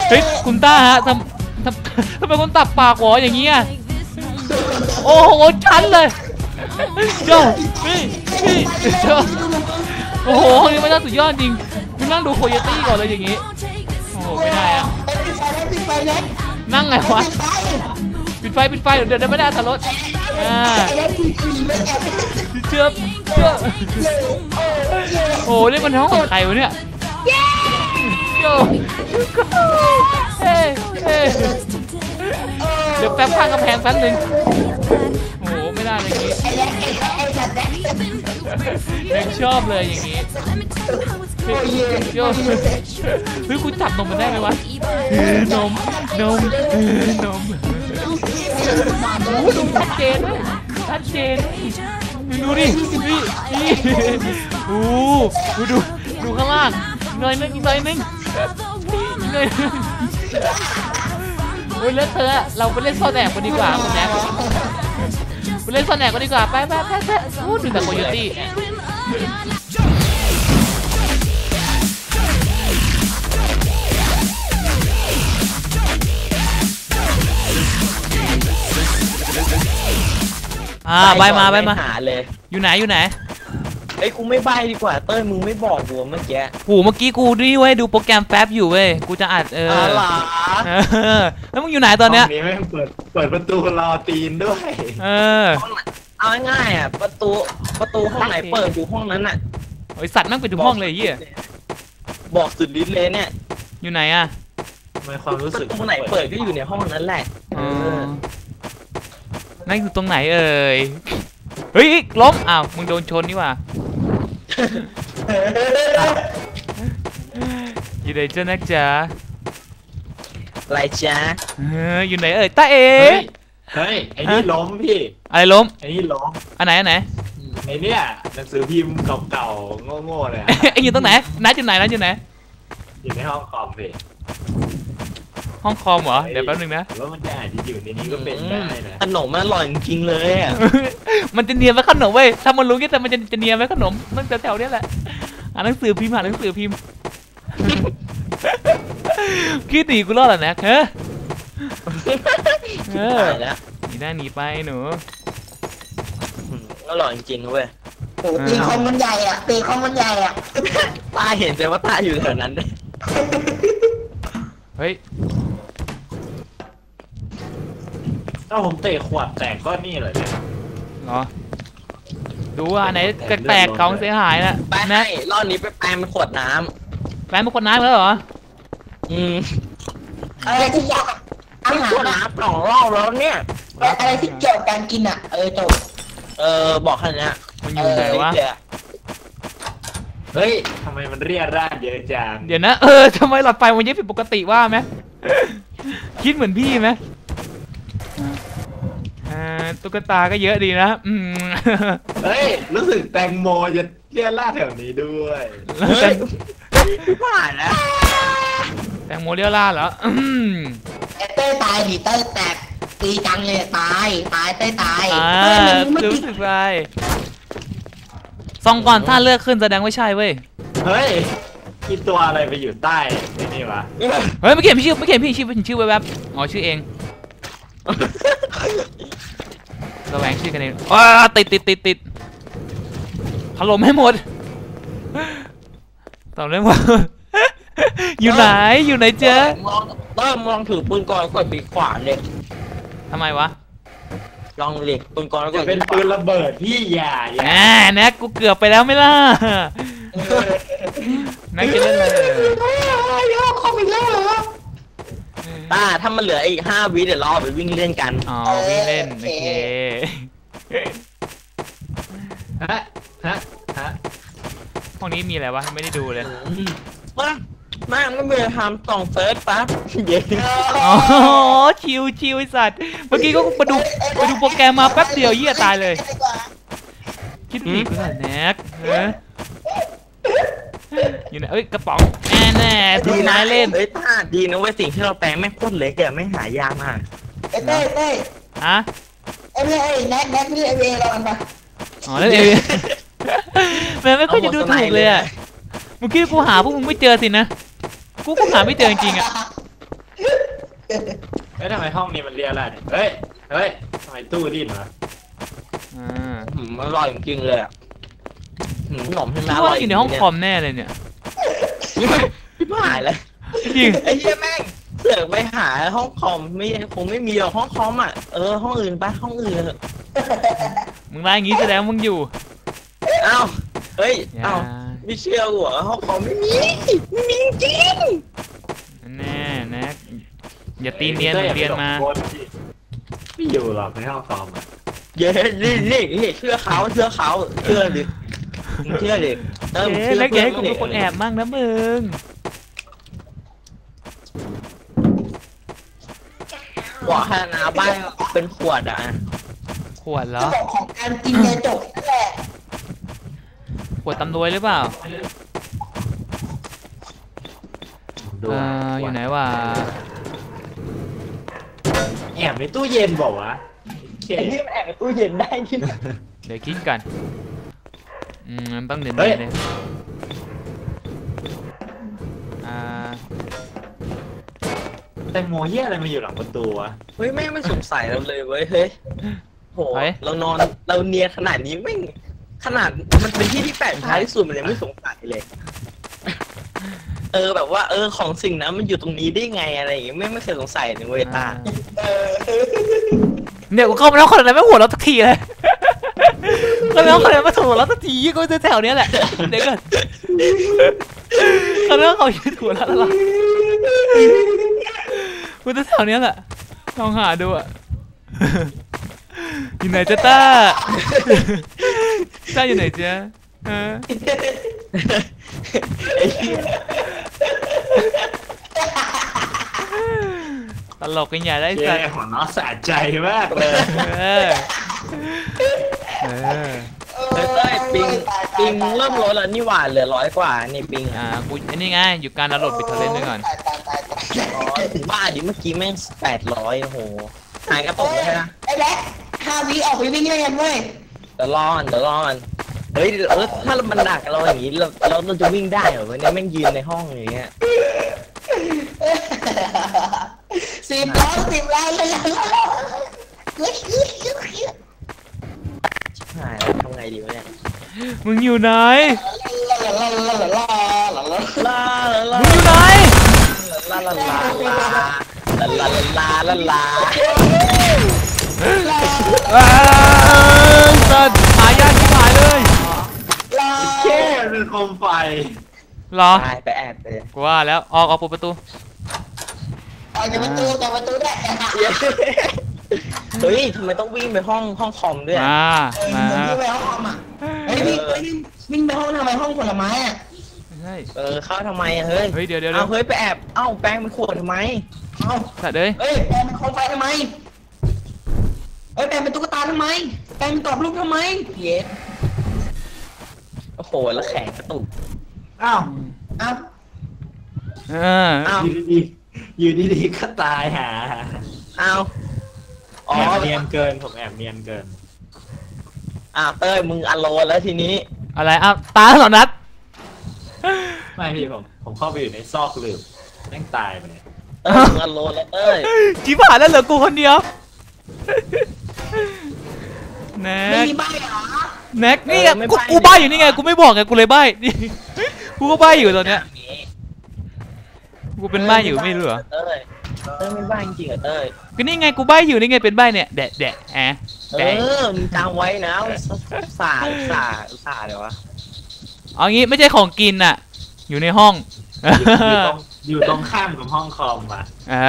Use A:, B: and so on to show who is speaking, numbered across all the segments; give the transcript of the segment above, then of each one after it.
A: เฮ้ยคุณต้าฮะทำไมคุณตับปากหัวอย่างเงี้ยโอ้โหชันเลยโจ้พี่โจ้โอ้โหนี่มันน่าสุดยอดจริงมึงนั่งดูโคโยตี้ก่อนเลยอย่างงี้โอ้โหไม่ได้อะนั่งไงวะปิดไฟเดี๋ยวไม่ได้ทะลุเชื่อโอ้นี่มันห้องของใครวะเนี่ยโจ้เดี๋ยวแป๊บข้างกำแพงแป๊บนึงโอ้โหไม่ได้เลยอย่างงี้เด็กชอบเลยอย่างงี้โย่เฮ้ยคุณจับนมมันได้ไหมวะนมดูชัดเจนเลยดูดิโอ้ดูข้างล่างหน่อยนึงโอ้ยแล้วเธอเราไปเล่นซ่อนแอบกันดีกว่าคุณแน็กไปเล่นซ่อนแอบกันดีกว่าไปพูดถึงแต่โคโยตี้ใบมาหาเลยอยู่ไหนไอ้กูไม่ใบดีกว่าเต้ยมึงไม่บอกกูเมื่อกี้เมื่อกี้กูนี่เว้ยดูโปรแกรมแป๊บอยู่เว้ยกูจะอัดแล้วมึงอยู่ไหนตอนเนี้ย
B: นี้ไม่เปิดประตูรอตีนด้วย
C: เอาง่ายอ่ะประตูห้องไหนเปิดอยู่ห้องนั้นอ่ะ
A: ไอสัตว์นั่งไปถึงห้องเลยยี่
C: บอกสุดฤทธิ์เลยเนี่ย
A: อยู่ไหนอ่ะ
B: ไม่ความรู้สึก
C: ห้องไหนเปิดก็อยู่ในห้องนั้นแหละ
A: นั่งอยู่ตรงไหนเอ่ยเฮ้ยล้มอ้าวมึงโดนชนนี่ว่ะอยู่ไหนเจ้านักจ๋า
C: อะไรจ๊ะ
A: อยู่ไหนเอ่ยตาเ
B: ฮ้ยไอ้นี่ล้มพี่
A: อะไรล้ม
B: ไอ้นี่ล้ม
A: อันไหน
B: ไอ้เนี่ยหนังสือพิมพ์เก่าๆโง่ๆเลย
A: ไอ้อยู่ตรงไหนนัดอยู่ไหนอยู่
B: ในห้องคอมพี่
A: ห้องคอมเหรอเดี๋ยวแป๊บนึงนะ
B: ว่ามันจะอาจจะอยู่ในนี้ก็เป็นได้นะ
C: ขนมมันอร่อยจริงๆเลยอ่ะ
A: มันจะเนียนไว้ขนมเว้ยถ้ามันรู้แต่มันจะเนียนไว้ขนมมันแถวๆนี้แหละหนังสือพิมพ์คิดดีกูรอดแล้วนะหนีไปหนู
C: อร่อยจริงๆเว้ย
D: ตีคอมมันใหญ่อ่ะ
C: ตาเห็นแต่ว่าตาอยู่แถวนั้นเลย
A: เฮ้ย
B: ถ้าผมเตะขวดแตกก็นี่เลย
A: เหรอดูว่าไหนแตกของเสียหายนะ
C: ไปให้รอบนี้ไปแปลงเป็นขวดน้
A: ำแล้วเหรอ
D: อะไรที่อยากอาหาร
C: น้ำ2 รอบแล้วเนี่ย
D: อะไรที่เกี่ยวกับการกินอ่ะจบ
C: บอกแค่นี้
A: มันอยู่ไหนวะ
B: เฮ้ยทำไมมันเรียราดเยอะจัง
A: เดี๋ยวนะทำไมหลอดไฟมันเยอะผิดปกติว่าไหมคิดเหมือนพี่ไหมตุ๊กตาก็เยอะดีนะ
B: เฮ้ยรู้สึกแตงโมจะเรียราดแถวนี้ด้วย
C: ผ่านแล้ว
A: แตงโมเรียราดเหรอ
D: เต้ตายดิเต้แตกตีจังเลยตายเต้ตาย
A: รู้สึกไรซองก่อนถ้าเลือกขึ้นแสดงว่าใช่เว้ย
B: เฮ้ยคิดตัวอะไรไปอยู่ใต้นี่วะ
A: เฮ้ยไม่เขียนพี่ชื่อแวบอ๋อชื่อเองระแวงชื่อกันเองติดถล่มให้หมดต่อเรื่องว่าอยู่ไหนเจ๊
C: มองถือปืนกลกดปีกขวาเลย
A: ทำไมวะ
C: ลองเหล็กปืนกลแล้วก็
B: เป็นปืนระเบิดพี่อย่า
A: แน็กกูเกือบไปแล้วไม่ล่ะนักจะเล่นอะไร
D: เข้าไปแล้วเหรอ
C: ถ้ามันเหลืออีก5 วิเดี๋ยวรอไปวิ่งเล่นกัน
A: วิ่งเล่นโอเคห้องนี้มีอะไรวะไม่ได้ดูเลย
C: ไม่มีทำส่องเฟิร์สปั๊บเย้
A: ชิวไอสัตว์เมื่อกี้ก็ไปดูโปรแกรมมาแป๊บเดียวเหี้ยตายเลยคิดดีกูหน่อยแน็กอยู่ไหนกระป๋องแน่ทีนายเล่น
C: ท่าดีนะเว้ยสิ่งที่เราแปลงไม่โคตรเล็กอะไม่หายากมาก
D: เต้
A: ฮะ
D: แน็กนี่เอเราอันปะ
A: เล่นมันไม่ค่อยจะดูถูกเลยอะเมื่อกี้กูหาพวกมึงไม่เจอสินะกูหาไม่เจอจริงๆอะ
B: เฮ้ยทำไมห้องนี้มันเรียอะไรเนี่ยเฮ้ยทำไมตู้ดิ้นวะ
C: มันอร่อยจริงๆเลยอ่ะขนมที่
A: คิ
C: น่า
A: ด
C: อร่
A: ว่า
C: อย
A: อยู่ในห้องคอมแน่เลยเนี่ย
C: ไม่หายเลย
A: จริง
C: ไอ้เหี้ยแม่งเสือกไปหาห้องคอมคงไม่มีหรอกห้องคอมอ่ะห้องอื่นไปห้องอื่นเถอะ
A: มึงมาอย่างงี้แสดงมึงอยู่
C: เอ้าเฮ้ย
A: อย่า
C: เอ้าไม่เชื่อหัวห้องคอมไม่มีจริง
A: แน่แน็กอย่าตีเนียนเหมือนเรียนมา
B: ไม่อยู่หรอกในห้องคอมอะ
C: เย้นี่เชื่อเขาเชื่อดิมึงเชื่อดิมึง
A: เอ๊ะ
C: เชื่อ
A: แล้วแก
C: เพื่อน
A: ให้กูเป็นคนแอบมั่งนะมึง
C: บอกให้นาบ้านเป็นขวดอ่ะ
A: ขวดเหร
D: จะ
A: อ
D: บอกของการกินเนี่ยจบนั่นแหละ
A: ขวดตำรวจหรือเปล่า
B: ดู
A: อยู่ไหนวะ
B: แอบในตู้เย็นบอกวะโอเค
C: ไอ้ที่มันแอบในตู้เย็นได้ที่ไหน
A: เดี๋ยวคิดกันมันต้องเด่น
B: เฮ้ย
A: ๆเลยอ่า
B: แตงโมเฮียอะไรมาอยู่หลังประตูวะ
C: เฮ้ยแม่งไม่สงสัยเราเลยเว้ยเฮ้ยโหเรานอนเราเนียนขนาดนี้แม่งขนาดมันเป็นที่ที่แปลกท้ายที่สุดมันยังไม่สงสัยเลย แบบว่าของสิ่งนั้นมันอยู่ตรงนี้ได้ไงอะไรอย่างเงี้ยไม่เคยสงสัยเลยเว้ยตา
A: เนี่ยกูเข้ามาแล้วคนอะไรไม่หัวเราะสักทีเลยคนแล้วคนอะไรไม่หัวเราะสักทีก็จะแถวเนี้ยแหละเดี๋ยวก่อนคนแล้วเขายืดหัวเราะแล้วกูจะแถวเนี้ยแหละลองหาดูอ่ะอยู่ไหนจ๊ะต้าต้าอยู่ไหนจ๊ะฮะ
C: ไอ้เหี้ย
A: ตลกกันใหญ่ได้
B: เจ๊
A: สัตว์
B: หัวน้อสะใจมากเลย
A: เออเออ
C: เฮ้ยเต้ยปิงเริ่มลดแล้วนี่หว่าเหลือ100 กว่านี่ปิง
A: กูอันนี้ไงอยู่การดาวน์โหลดบิทเทอร์เรนด้วยก่อน
D: ตาย
C: ถึงบ้าดิเมื่อกี้แม่ง800โอ้โหหายกระตุกเลยนะ
D: ไอ้แบ๊ก5 วิออกไปวิ่งเล่นเว้ย
C: เดี๋ยวรอนเฮ้ยถ้ามันดักเราอย่างนี้เราจะวิ่งได้เหรอวะเนี่ยแม่งยืนในห้องอย่างเงี้ย
D: 10 ล้านเลยเฮ้ย
C: หายแล้วทำไงดีวะเนี่ย
A: มึงอยู่ไหน
C: ลาลา
A: มึงอยู่ไหน
C: ลาลาลาลาลาลาลาลา
A: สัตว์หายากที่หายเลย
B: แค่เป็นโคมไฟ
A: เหรอ
C: ตายไปแอบเลย
A: กูว่าแล้วออกเปิดประตู
D: ออกจากประตูได้
C: เฮ้ยทำไมต้องวิ่งไปห้องคอมด้วย
A: มา
D: วิ่งไปห้องคอมอ่ะเฮ้ยวิ่งไปห้องทำไมห้องผลไม้อ่ะ
A: ใช่
C: เข้าทำไมเฮ้ย
A: เฮ้ยเดี๋ยว
C: เอาเฮ้ยไปแอบแป้งมันขวดทำไม
D: เอ้า
A: สัตว์เลย
D: เฮ้ยแปลงเป็นโคมไฟทำไมเฮ้ยแปลงเป็นตุ๊กตาทำไมแปลงเป็นกรอบรูปทำไมเย็ด
C: โอ้โหแล้วแขนกระตุก
B: อ้าว
D: อ้าว
C: อ้าว
B: อยู่ดีๆก็ตายหา
C: อ้าวอ๋อ
B: แอบเนียนเกินผมแอบเนียนเกิน
C: เต้ยมึงอโลนแล้วทีนี้
A: อะไรตาเหรอนัด
B: ไม่พี่ผมเข้าไปอยู่ในซอกหลืบแม่งตายไปเลย
C: มึงอโลนแล้วเต้ย
A: จีบหายแล้วเหลือกูคนเดียวแน็
D: ไม่
A: ก
D: มีใบเหรอ
A: แน็กนี่กูใบ้อยู่นี่ไงกูไม่บอกไงกูเลยใบ้นี่กูก็ใบ้อยู่ตอนเนี้ยกูเป็นใบ้อยู่ไม่รู้เหรอ
C: เต้ยไม่บ้าจริงเหรอเต้ย
A: ก็นี่ไงกูใบ้อยู่นี่ไงเป็นใบ้เนี่ยแดะแดะ
C: มึงจำไว้นะสาเดี๋ยววะ
A: เอางี้ไม่ใช่ของกินอ่ะอยู่ในห้อง
B: อยู่ตรงข้ามกับห้องคอมอ่ะ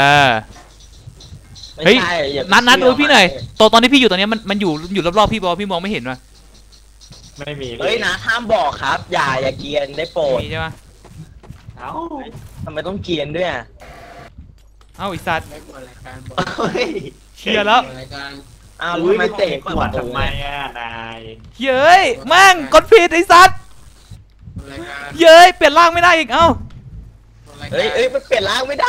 A: เฮ้ยนัดดูพี่หน่อยตอนที่พี่อยู่ตอนนี้มันอยู่รอบๆพี่บอกพี่มองไม่เห็นวะ
B: ไม่มี
C: เฮ้ยนะห้ามบอกครับ อย่าเกรียนได้โปรด
A: มีใช่ปะ
B: เอ้า
C: ทำไมต้องเกรียนด้วยอ่ะ
A: เอ้าไอสัตว์
B: เฮ้ย
A: เชียร์แล้ว
C: อ้าว
B: อุ้ย
C: ทำไม
B: ไปเตะขวดทำไมอ่ะนาย
A: เย้ยมั่งกดผิดไอสัตว์เย้ยเปลี่ยนร่างไม่ได้อีกเอ้า
C: เฮ้ยมันเปลี่ยนร่างไม่ได้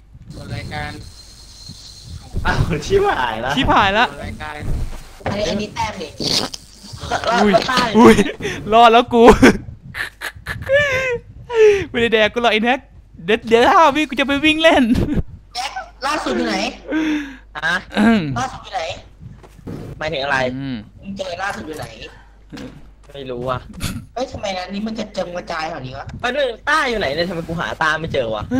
B: อ้าวชิบหายแล้ว
A: ชิบหายแล้ว
D: อันนี้แต้มดิ
A: อุ้ยรอดแล้วกู ไม่ได้แดกกูหรอกไอ้แน็กเดี๋ยว5 วิกูจะไปวิ่งเล่น
D: ล่าสุดอยู่ไหน
C: ฮะ
D: ล่าสุดอยู่ไหน
C: หมายถึงอะไร
D: มึงเจอล่าสุดอยู่ไหน
C: ไม่รู้อ่ะ
D: เอ้ยทำไมนั้นนี้มันกระจายแบบนี้วะ
C: ไปด้วยต้าอยู่ไหนเนี่ยทำไมกูหาต้าไม่เจอวะ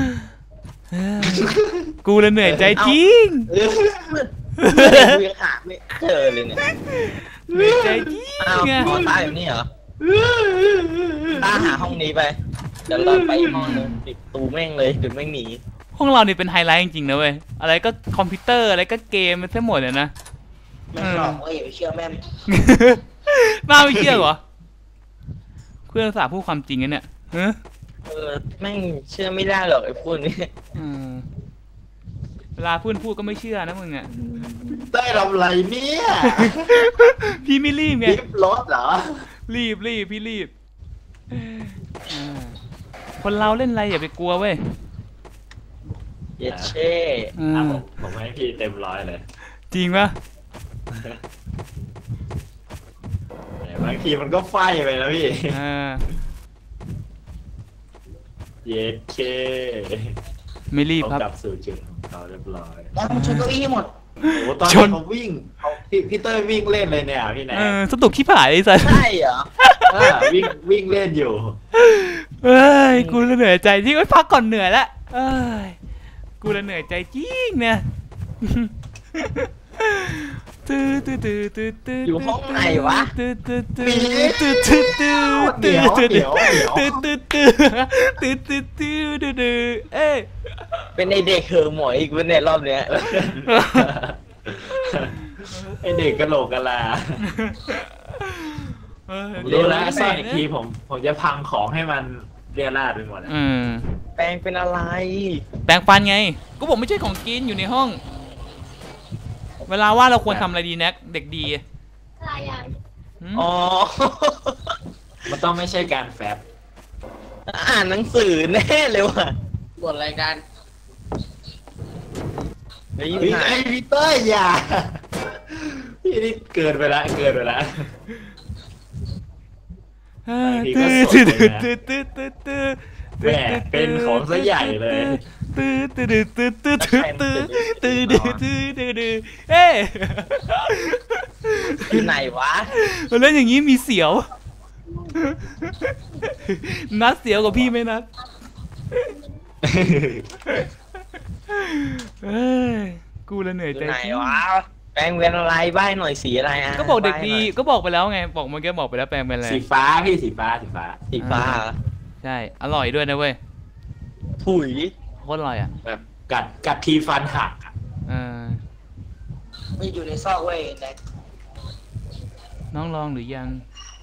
A: กูเลยเหนื่อยใจจริง
C: กูยังหาไม่เจอเลยเนี่ย
A: เหนื่อยใจจริง
C: อ้าว
A: ไง
C: ต้าอยู่นี่เหรอต้าหาห้องนี้ไปเดี๋ยวเราไปอีกห้องนึงปิดตูแม่งเลยเดี๋ยวแม่งหนี
A: ห้องเรานี่เป็นไฮไลท์จริงๆนะเว้ยอะไรก็คอมพิวเตอร์อะไรก็เกมมันทั้งหมดเลยนะ
D: แม่งหลอกเว้ยอย่าไปเชื่อแม่ง
A: น่าไม่เชื่อเหรอเพื่อนสาพูดความจริงกันเนี่ยฮะ
C: แม่งเชื่อไม่ได้หรอกไอ้พวกนี้
A: เวลาเพื่อนพูดก็ไม่เชื่อนะมึงอ่ะ
B: ได้ทำไรเนี่ย
A: พี่ไม่รีบไง
B: ลิฟต์รถเหรอ
A: รีบพี่รีบคนเราเล่นอะไรอย่าไปกลัวเว้ย
C: เย็ดเช่
B: ผมให้พี่เต็มร้อยเลย
A: จริงปะ
B: บางทีมันก็ไฟไปนะพี่ เย็ดเค
A: ไม่รีบ
B: เขา
A: ครับ
B: กลับสู่จุดของเขาเรียบร้อย
D: แล้วมึงชนเก้าอี้ให้หมด
B: โอ้ตอนนี้เขาวิ่งพี่เต้ยวิ่งเล่นเลยเนี่ยพี่แนน
A: สตุกขี้ผายไอ้สัส
C: ใช่เหรอ
B: วิ่งเล่นอยู่
A: เอ้ยกูเลยเหนื่อยใจที่พักก่อนเหนื่อยละเอ้ยกูเลยเหนื่อยใจจริงเนี่ย
C: อยู่ห้องไหนวะ
A: เอ้ย
C: เป็นไอเด็กเหอหมอยอีกวันเนี่ยรอบเนี้ย
B: ไอเด็กกะโหลกกะลารู้แล้วซ่อนอีกทีผมจะพังของให้มันเรียราดไปหมด
C: แปลงเป็นอะไร
A: แปรงฟันไงก็บอกไม่ใช่ของกินอยู่ในห้องเวลาว่าเราควรทำอะไรดีแน็กเด็กดี
C: อ๋อ
B: มันต้องไม่ใช่การแฟบ
C: อ่านหนังสือแน่เลยว่ะ
D: บทรายการ
C: เฮ้ย
B: ไอ้พีเตอร์อย่าพี่นี่เกินไปละแหมเป็นของซะใหญ่เลย
A: เอ้ย
C: อยู่ไหนวะ
A: เล่นอย่างนี้มีเสียวนัดเสียวกับพี่ไหมนัดกูละเหนื่อย
C: อ
A: ใจ
C: ยู่ไหนวะแปลงเป็นอะไรใบ้หน่อยสีอะไรอ่ะ
A: ก็บอกเด็กดีก็บอกไปแล้วไงบอกเมื่อกี้บอกไปแล้วแปลงเป็นอะไร
B: สีฟ้าพี่สีฟ้า
C: สีฟ้า
A: ใช่อร่อยด้วยนะเว้ย
C: ถุย
A: โคตรอร่อยอ่ะ
B: แบบกัดทีฟันหัก
D: ไม่อยู่ในซอกเว้ยแน็ก
A: น้องลองหรือยัง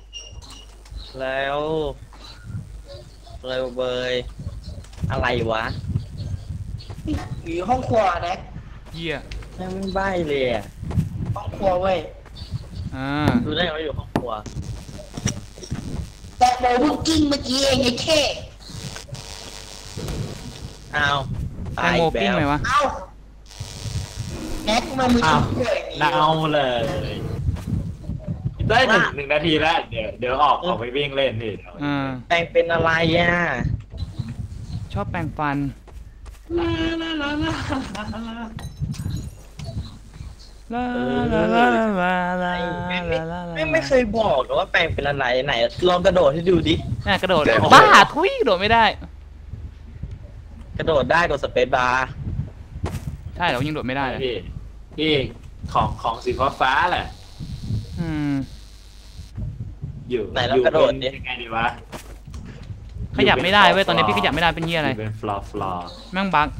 C: แล้วเลยเบยอะไรวะ
D: อยู่ห้องครัวแน็ก
A: เยี่ย
C: แม่งไม่ใบ้เลยอ่ะ
D: ห้องครัวเว้ย
C: ดูได้ว่าอยู่ห้องครัว
D: แต่โมบุกกิ้งเมื่อกี้เองไอ้แค่
C: อ้าว
A: แตงโมปิ้งไหมวะ
D: เอ้าแน็กทำไมมึงทำเรื่องอย่างนี้
B: เน่าเลยได้หนึ่งนาทีแล้วเดี๋ยวออกไปวิ่งเล่นนี่
C: แปลงเป็นอะไรอ่ะ
A: ชอบแปรงฟัน
C: ไม่เคยบอกว่าแปลงเป็นอะไรไหนลองกระโดดให้ดูดิ
A: กระโดดบ้าทุยกระโดดไม่ได้
C: กระโดดได้กดสเปซบาร์
A: ใช่เรายังโดดไม่ได้เลย
B: พี่ของสีฟ้าแหละอยู่
C: ไหนเรากระโดดดิ
B: ยังไงดีวะ
A: ขยับไม่ได้เว้ยตอนนี้พี่ขยับไม่ได้เป็นเหี้ยอะไร
B: เป็นฟลอร์
A: แม่งบั๊ก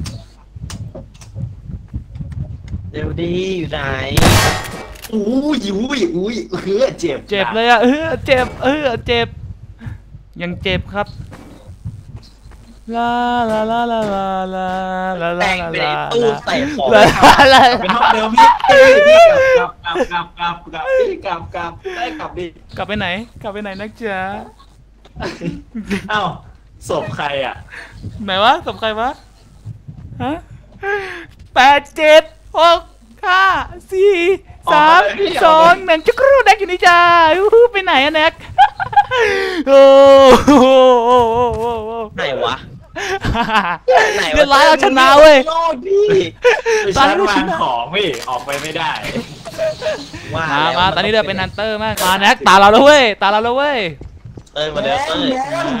C: เร็วดีอยู่ไหน
B: อุ้ยเจ็บ
A: เจ็บเลยอ่ะเจ็บเจ็บยังเจ็บครับลาลาลาลาลาลาลา
C: แปลงเป็นตู้ใส่ของ
B: เป็นห้องเดิมพี่กลับได้กลับดิ
A: กลับไปไหนนักจ๋า
B: เอ้าศพใครอ่ะ
A: ไหนวะศพใครวะฮะ8 7 6 5 4 3 2 1จุกรูแน็กอยู่นี่จ้าไปไหนอะแน็กโอ้
C: ไหนวะไหน
A: เรียบร้อยเราชนะเว้ย
C: โลกพี่
B: ไปชั้นวางของพี่ออกไปไม่ได้
C: ว่า
A: มาตอนนี้เราเป็นฮันเตอร์มากมาแน็กตาเราแล้วเว้ยตาเราแล้วเว้ย
C: เต้ยมาเดี๋ยวเต้ย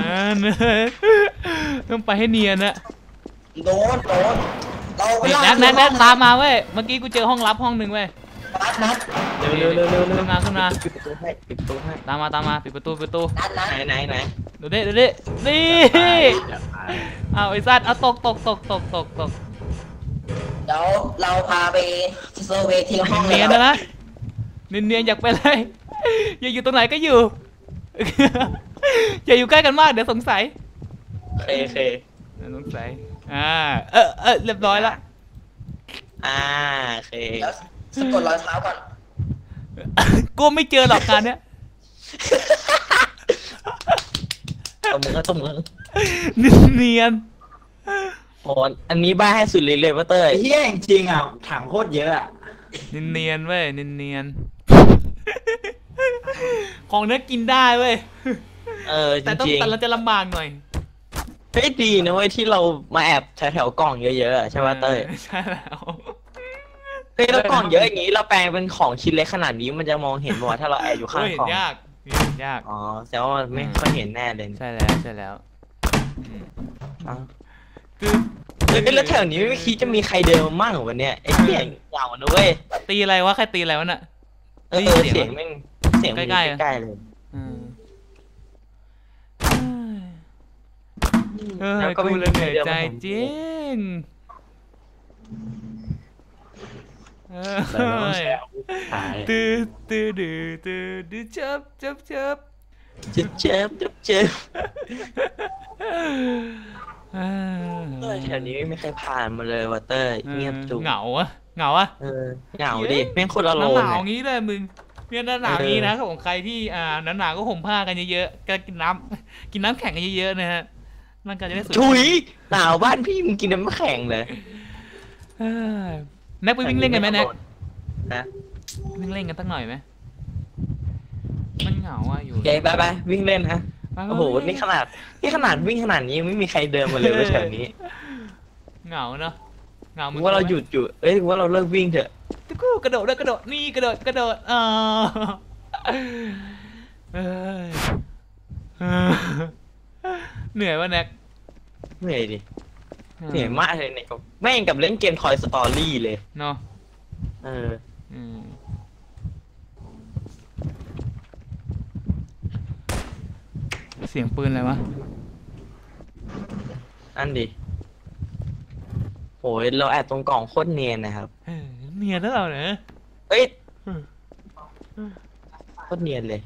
A: ต้องไปให้เนียนนะ
D: โดนเรา
A: แน็กตามมาเว้ยเมื่อกี้กูเจอห้องลับห้องหนึ่งเว้ย
D: นัด
C: เร็ว
A: ขึ้นมาขึ้นมา
C: ปิดประตูให้ปิดประตูให้
A: ตามมาปิดประตู
C: ไหน
A: ดูดินี่เอาไอ้สัตว์เอาตก
D: เดี๋ยวเราพาไปเซอร์เวย์ทีละห้อง
A: เนียนนะเนียนอยากไปเลยอยากอยู่ตรงไหนก็อยู่อย่าอยู่ใกล้กันมากเดี๋ยวสงสัย
C: เค
A: สงสัยเรียบร้อยละ
C: เค
D: แล้วสะกดรอยเท้าก่อน
A: กูไม่เจอหรอกการเนี้ย
C: ตบมือ
A: เนียน
C: โอ้อันนี้บ้าให้สุดเลยว่าเต้ย
B: ไอ้เหี้ยจริงๆอ่ะถังโคตรเยอะอ่ะ
A: เนียนเว้ยเนียนของเนื้อกินได้เว้ย
C: จ
A: แต่ต้อง
C: ริง
A: แต่เราจะลำบากหน่อย
C: เฮ้ยดีนะเว้ยที่เรามาแอบแถวกล่องเยอะๆใช่ป่ะเต้ย
A: ใช่แล้ว
C: เฮ้ยแล้วกล่องเยอะอย่างนี้เราแปลงเป็นของชิ้นเล็กขนาดนี้มันจะมองเห็นมั้ยถ้าเราแอบอยู่ข้าง
A: เห็
C: กล่อง
A: นยาก
C: อ๋อแสดงว่ามันไม่ค่อยเห็นแน่เลย
A: ใช่แล้วคือ
C: เฮ้ยแล้วแถวนี้ไม่คิดจะมีใครเดินมามั่งเหรอวันเนี้ยไอ้เสียงเหงานะเว้ย
A: ตีอะไรวะใครตีอะไรวะน่ะ
C: เสียงแม่งเสียง
A: ใกล้ๆ
C: ใกล้ๆเลย
A: กูเลยเหนื่อยใจจริงตื้อจับ
C: เจ็บแถวนี้ไม่มีใครผ่านมาเลยว่ะเต้ยเงียบจุก
A: เหงาอะเหงาดิ
C: แม่งโคตรอโล
A: ห
C: น
A: นาวงี้เลยมึงเนี่ยหนาวงี้นะของใครที่หนาวก็ห่มผ้ากันเยอะๆก็กินน้ำแข็งกันเยอะๆนะฮะร่างกายจะได้สุด
C: ถุยหนาวบ้านพี่มึงกินน้ำแข็งเลย
A: แน็กไปวิ่งเล่นกันไหมแน็ก
C: นะ
A: วิ่งเล่นกันสักหน่อยไหมมันเหงาอะอยู่
C: โอเคไปวิ่งเล่นฮะโอ้โหนี่ขนาดวิ่งขนาดนี้ยังไม่มีใครเดินมาเลยว่าแถวนี้
A: เหงาเนาะเหงา
C: ว่าเราหยุดอยู่ว่าเราเลิกวิ่งเถอะ
A: กูกระโดดนี่กระโดดเหนื่อยวะแน็ก
C: เหนื่อยดิเหนื่อยมากเลยเนี่ยแม่งกับเล่นเกม Toy Story เลย
A: เนาะ เสียงปืนอะไรวะ
C: อันดิโหยเราแอบตรงกล่องโคตรเนียนนะครับ
A: เนียนแล้วเราเนี่ย
C: เอ้ยโคตรเนียนเลย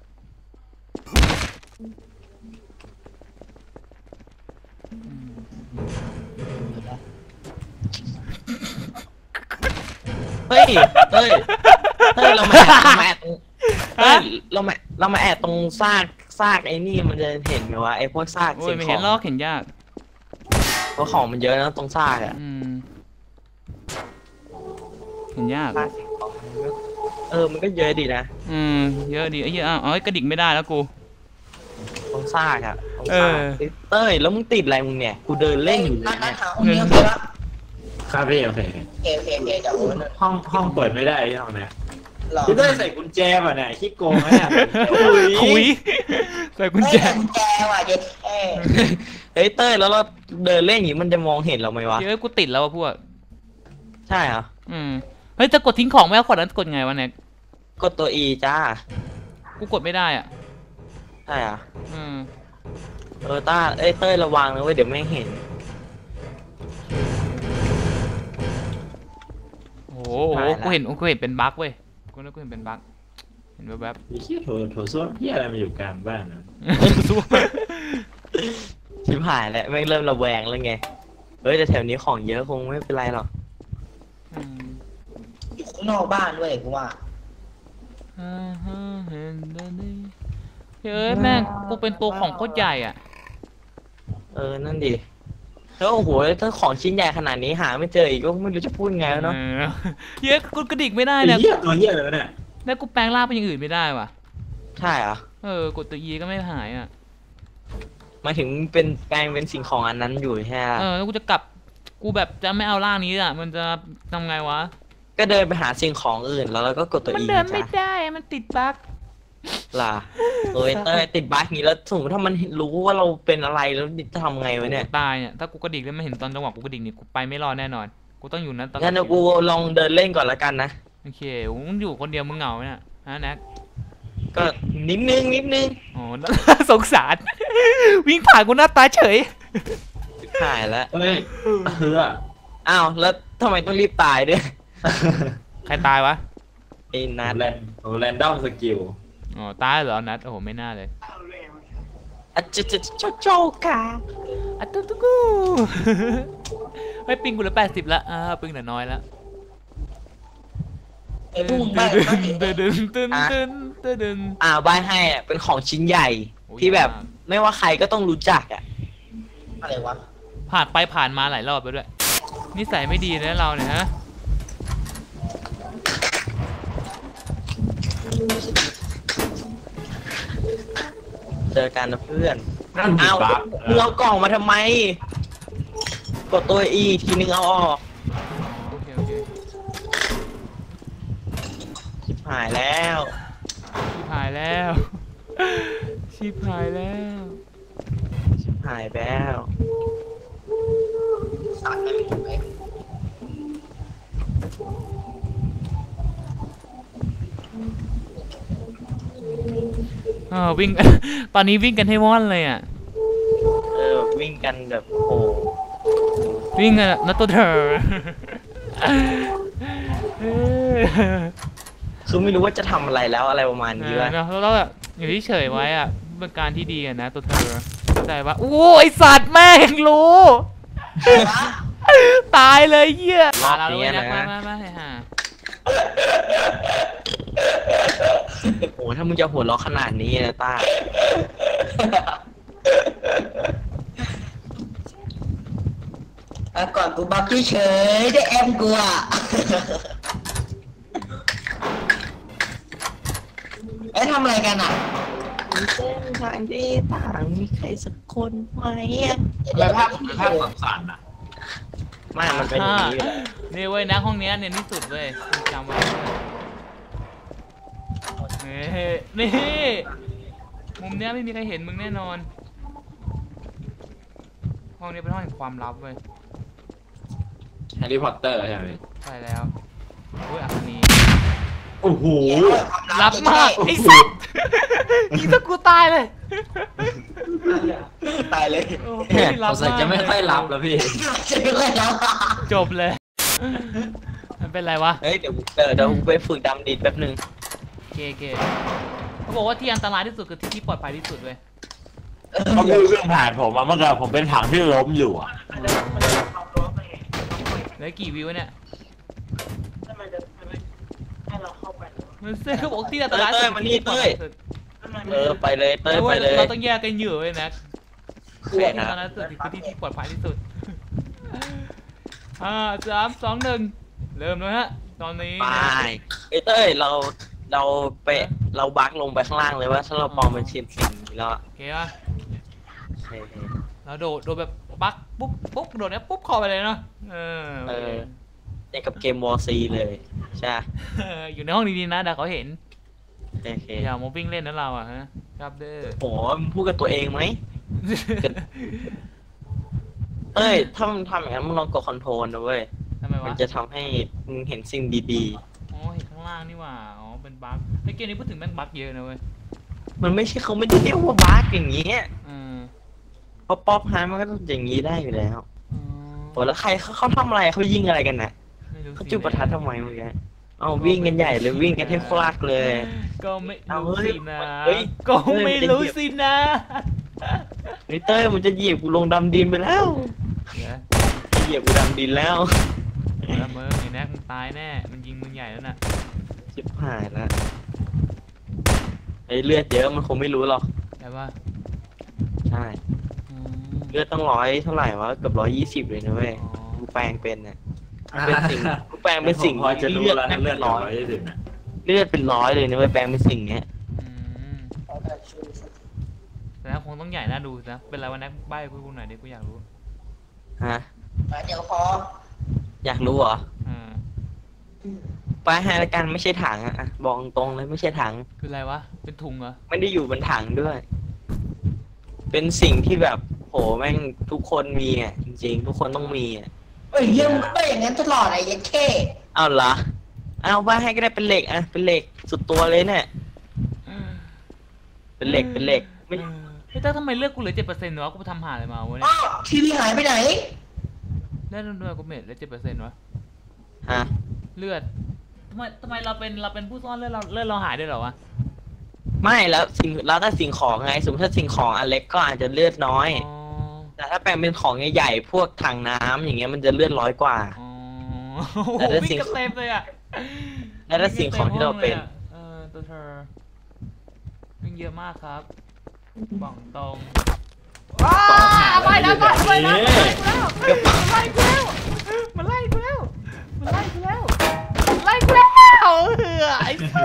C: เฮ้ยเรามาแอบตรงเรามาแอบตรงซากไอ้นี่มันจะเห็นไหมวะไอ้พวกซาก
A: โอ้
C: สิ่
A: ย
C: ง
A: ไม่
C: ข
A: เห็
C: อน ง
A: ลอกเห็นยาก
C: เพราะของมันเยอะนะตรงซากอ่ะ
A: เห็นยาก
C: ซากสิ่งของมันก็เยอะดีนะ
A: เยอะดีไอ้เหี้ยอ้าวกระดิกไม่ได้แล้วกู
C: ตรงซากอ่ะเต้ยแล้วมึงติดอะไรมึงเนี่ยกูเดินเล่นอยู่
D: นัด
C: เนี่ย
D: หาห้องนี้โอเคปะ
B: ครับพี่โอเค
D: โอเคเดี๋ยว
B: ห้องเปิดไม่ได้ที่ห้องเนี้ย
D: หรอ
B: พี่เต้ยใส่กุญแจป่ะเนี่ยขี้โกงไหมเนี่ย
A: ถุยใส่กุญแจ
D: กุญแจว่ะเย็ดเ
C: เฮ้ยเต้ยแล้วเราเดินเล่นอย่างนี้มันจะมองเห็นเราไหมวะ
A: เฮ้ยกูติดแล้วพวก
C: ใช่เหรอ
A: เฮ้ยจะกดทิ้งของไม่เอาขวดนั้นกดไงวะเนี่ย
C: กดตัว E จ้า
A: กูกดไม่ได้อ่ะ
C: ใช่เหรอ
A: อืม
C: เต้ยระวังนะเว้ยเดี๋ยวไม่เห็น
A: โอ้โหกูเห็นเป็นบั๊กเว้ยกูนึกกูเห็นเป็นบั๊กเห็นแวบ
B: ไอ้เหี้ยโถส้วมเหี้ยอะไรมาอยู่กลางบ้านนะ
A: ๆสู้
C: ชิบหายแล้วแม่งเริ่มระแวงแล้วไงแต่แถวนี้ของเยอะคงไม่เป็นไรหรอก
D: อยู่ข้างนอกบ้านด้วยกูว่า
A: เฮ้ยแม่งกูเป็นตัวของโคตรใหญ่อ่ะ
C: นั่นดิแล้วโอ้โหถ้าของชิ้นใหญ่ขนาดนี้หาไม่เจออีกก็ไม่รู้จะพูดไงแล้วเนาะ
A: เฮ้ยกูกระดิกไม่ได้
B: ไอ้
A: เนี่ย
B: เหี้ยตัวเหี้ยอะไรวะเนี่ย
A: แล้วกูแปลงร่างเป็นอย่างอื่นไม่ได้ว่ะ
C: ใช่เหรอ
A: กดตัว E ก็ไม่หายอ่ะ
C: หมายถึงเป็นแปลงเป็นสิ่งของอันนั้นอยู่ใช่ไหม
A: แล้วกูจะกลับกูแบบจะไม่เอาร่างนี้อ่ะมันจะทำไงวะ
C: ก็เดินไปหาสิ่งของอื่นแล้วเราก็กดตัว
A: มัน
C: อี
A: เดินไม่
C: จ้ะ
A: ได้มันติดบั๊ก
C: ล่ะเอ้ยเต้ยติดบั๊กนี้แล้วสมมติถ้ามันรู้ว่าเราเป็นอะไรแล้วจะทำไงวะเนี่ย
A: ตายเนี่ยถ้ากูกระดิกแล้วไม่เห็นตอนจังหวะกูกระดิกนี่กูไปไม่รอดแน่นอนกูต้องอยู่นั้นตลอด
C: งั้นเดี๋ยวกูลองเดินเล่นก่อนละกันนะ
A: โอเคมึงอยู่คนเดียวมึงเหงาเนี่ยฮะแน็ก
C: ก็นิดนึง
A: อ๋อ สงสาร วิ่งผ่านกูหน้าตาเฉย
C: หายแล้ว
B: เฮ้ยเฮือ
C: อ้าวแล้วทำไมต้องรีบตายด้วย
A: ใครตายวะ
C: ไอ้นัด
B: แรนดอมสกิล
A: อ๋อตายเหรอนัดโอ้โหไม่น่าเลย
C: อะโจกา
A: อะตุ๊กตุ๊กกู เฮ้ยปิงกูเหลือ80ละปิงเหลือน้อยละ
D: ไอ้พวกมึงบ้า
A: ตึนตึนตึนตึนตึน
C: ใบให้อะเป็นของชิ้นใหญ่
A: โอ้ย
C: ที่แบบ
A: มาก
C: ไม่ว่าใครก็ต้องรู้จักอ่ะ
D: อะไรวะ
A: ผ่านไปผ่านมาหลายรอบไปด้วยนิสัยไม่ดีนะเราเนี่ยฮะ
C: เจอกันนะเพื่อน
B: นั่นผิด
C: อ้าว
B: บั๊ก
C: มึงเอากล่องมาทำไม กดตัวอีทีนึงเอาออก
A: โอเคโอเค
C: ชิบหายแล้ว
A: ชิบหายแล้ว ชิบหายแล้ว
C: ชิบหายแล้ว
D: สัตว์ไม่ถูกไหม
A: วิ่ง ตอนนี้วิ่งกันให้ว่อนเลยอ่ะ
C: วิ่งกันแบบโอ้
A: วิ่งกันนัตตัวเธอ
C: คือไม่รู้ว่าจะทำอะไรแล้วอะไรประมาณนี้วะ
A: แล้วแบบอยู่ที่เฉยไว้อ่ะเป็นการที่ดีอ่ะนะตัวเธอเข้าใจปะโอ้ไอสัตว์แม่งรู้ ตายเลยเหี้ย
C: รอบ
A: เรา
C: นี้
A: ด้วย
C: นะ
A: มาฮะ
C: โอ้ถ้ามึงจะหัวเราะขนาดนี้นะต้า
D: ก่อนกูบักเฉยๆได้แอมกูอ่ะเอ้ยทำอะไรกันอ่ะ
C: เส้นทางที่ต่างมีใครสักคนไหมอ่ะ
B: แล้วภาพสั่นๆอ่ะ
C: ไม่มันเป็นอย่างนี้อยู่แล้ว
A: นี่เว้ยนะห้องเนี้ยเนี่ยที่สุดเว้ยจำไว้นี่มุมเนี้ยไม่มีใครเห็นมึงแน่นอนห้องนี้เป็นห้องแห่งความลับเว้ย
B: แฮร์รี่พอตเตอร์ใช่ไหม
A: ใช่แล้วอุ้ยอันนี้
B: โอ้โห
A: ลับมากไอ้สัสยิงซะกูตายเลย
C: ตายเลย
A: โอ้โห
B: สงสัยจะไม่ค่อยรับแล้วพี่
D: จะไม่ค่อยแล้ว
A: จบเลยมันเป็นไรวะ
C: เฮ้ยเดี๋ยวกูไปฝึกดำดิดแป๊บนึง
A: เกเขาบอกว่าที่อันตรายที่สุดคือที่ที่ปลอดภัยที่สุดเว้ย
B: เขาพูดเรื่องผ่านผมมาเมื่อกี้ผมเป็นถังที่ล้มอยู่อ่ะ
A: เหลือกี่วิวเนี่ยมันเซ่เขาบอกที่อันตรายสุด
C: มานี่เต้ยไปเลยเต้ยไปเลย
A: เราต้องแยกกันอยู่เว้ยนะที่อันตรายสุดคือที่ที่ปลอดภัยที่สุด3 2 1เริ่มเลยฮะตอนนี้
C: ไปเต้ยเราบักลงไปข้างล่างเลยว่าถ้าเราปลอมเป็นชิ้นสิ่งนี้แล้ว
A: โอเคป่ะเราโดดแบบปักปุ๊บโดดเนี้ยปุ๊บคอไปเลยเนาะ
C: อย่างกับเกมวอร์ซีเลยใช่
A: อยู่ในห้องดีๆนะเดี๋ยวเขาเห็น
C: โอเค
A: อย่ามาวิ่งเล่นนะเราอ่ะฮะครับเด้อ
C: โหมึงพูดกับตัวเองไหมเอ้ยถ้ามึงทำอย่างนั้นมึงลองกดคอนโทรลนะเว้ย
A: ทำไม
C: มั
A: วะ
C: นจะทำให้มึงเห็นสิ่งดี
A: อ๋อเห็นข้างล่างนี่หว่าอ๋อเป็นบั๊กในเกมนี้พูดถึงแม่งบั๊กเยอะนะเว้ย
C: ๆมันไม่ใช่เขาไม่ได้เรียกว่าบักอย่างเงี้ย
A: อืม
C: เพราะป๊อปฮาร์มันก็ต้องอย่างนี้ได้อยู่แล้วโหแล้วใครเขาทำอะไรเขายิงอะไรกันนะ
A: ไม่รู้
C: เขา
A: สิ
C: จุดประทัดทำไมเมื่อกี้เอาวิ่งกันใหญ่เลยวิ่งกันให้ฟลากเลย
A: ก็ไม่
C: เอา
A: รู้
C: เฮ้ย
A: สินะ
C: เฮ้ย
A: ก็ไม่รู้สินะ
C: นิเตอร์มันจะเหยียบกูลงดำดินไปแล้ว
A: เดี๋ยว
C: เหยียบกูดำดินแล้ว
A: แล้วมึงไอ้แน็กมึงตายแน่มันยิงมึงใหญ่แล้วน่ะ
C: ชิบหายแล้วไอ้เลือดเยอะมันคงไม่รู้หรอก
A: ใช่ป่ะ
C: ใช่
A: อืม
C: เลือดต้องเท่าไหร่วะเกือบ120เลยนะเว้ย
A: อ๋อ
C: กูแปลงเป็นน่ะเป็นสิ่งกูแปลงเป็นสิ่ง
B: พอจะรู้
C: เลือด
B: แล้ว
C: แม่ง
B: เลื
C: เป็
B: อด
C: น
B: ร้
C: ร้
B: อ
C: อย ย
B: ที่สุดนะ
C: เลือดเป็นร้อยเลยนะเว้ยแปลงเป็นสิ่งเนี้ย
A: อืมแสดนะคงต้องใหญ่น่าดูนะเป็นไรวะแน็กใบ้กูหน่อยดิกูอยากรู้
C: ฮะ
D: เดี๋ยวพอ
C: อยากรู้เหรอ
A: อ่า
C: ไปให้ละกันไม่ใช่ถังอะบอกตรงเลยไม่ใช่ถัง
A: คืออะไรวะเป็นถุงเหรอ
C: ไม่ได้อยู่บนถังด้วย เป็นสิ่งที่แบบโหแม่งทุกคนมีอ่ะจริงๆ ทุกคนต้องมีอ่ะ
D: เฮ้ยยังไม่อย่างนั้นตลอดไอ้ยันเข้
C: เอาเหรอเอาไปให้ก็ได้เป็นเหล็กอ่ะเป็นเหล็กสุดตัวเลยเนี่ยเป็นเหล็กไม่
A: เฮ้ยแต่ทำไมเลือกกูเหลือ7%วะกูไปทำหาอะไรมาวะเนี่
D: อ้าวย ทีวีหายไปไหน
A: เลือดด้วยกูเม็ดเหลือ7%วะ
C: ฮะ
A: เลือดทำไมเราเป็นผู้ซ่อนเลือดเราหายด้วยเหรอวะ
C: ไม่แล้วถ้าสิ่งของไงสมมติถ้าสิ่งของอันเล็กก็อาจจะเลือดน้อย
A: อ๋อ
C: แต่ถ้าแปลงเป็นของใหญ่ๆพวกถังน้ำอย่างเงี้ยมันจะเลือด100 กว่า
A: อ๋อโอ้โห
C: แต่ถ้า
A: วิ่
C: สิ่
A: ง
C: ง
A: กระเต็มเลยอ่ะ
C: แล้วถ้าสิ่งของที่เราเป็น
A: ตัวเธอวิ่งเยอะมากครับบอกตรงไปนะมันไล่กูแล้วไล่กูแล้วไอ้สัส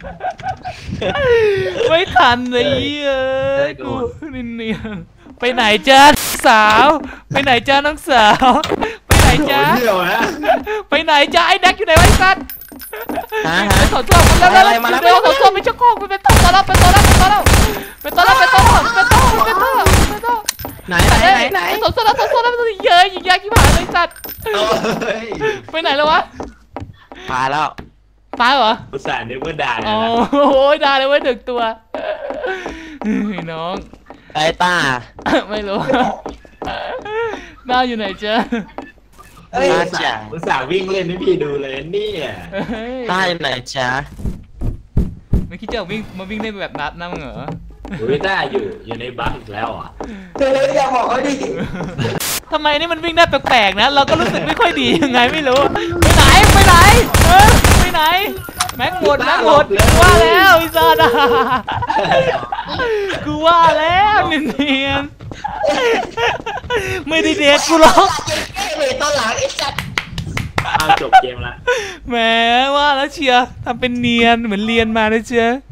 A: ไม่ทันเลยกูนี่ไปไหนจ้าสาวไปไหนจ้าน้องสาวไปไหนจ้า
B: เดี่ยวนะ
A: ไปไหนจ้าไอ้แดกอยู่ไหนวะไอ้สัส
C: ฮะ
A: ไปถอดตัวแล้วเดี๋ยวถอดตัวไปชักโครกไปตัวแล้วไปตัว
C: ไหน
A: ไปถอดตัวแล้วเยอะยิงยากที่ผ่านเลยสัตว์
B: เฮ้ย
A: ไปไหนแล้ววะ
C: พาแล้ว
A: ตายเหรอ
B: อุตส่าห์นึกว่าด่า
A: อ๋
B: นะ
A: อโอ้ยได้เลยเว้ยถึงตัวน้อง
C: ไอ้ตา
A: ไม่รู้น้าอยู่ไหนจ๊ะ
D: เฮ้ย
B: อุตส่าห์วิ่งเล่นให้พี่ดูเลยเนี่ย
C: ตาอยู่ไหนจ๊ะ
A: ไม่คิดจะวิ่งเล่นแบบนัดนะมึงเหรอ
B: อุ้ยได้อยู่ในบัคอีกแล้วอ่ะ
D: เธออย่าบอกเขาดิ
A: ทำไมนี่มันวิ่งได้แปลกๆนะเราก็รู้สึกไม่ค่อยดียังไงไม่รู้ไปไหนไปไหนแม็กหมดกูว่าแล้วอีซาดากูว่าแล้วเนียนไม่ได้เด็กกูหรอก
D: เลยตอนหลังไอ้สัตว์
B: เอาจบเกมละ
A: แหมว่าแล้วเชียร์ทำเป็นเนียนเหมือนเรียนมานะเชียร์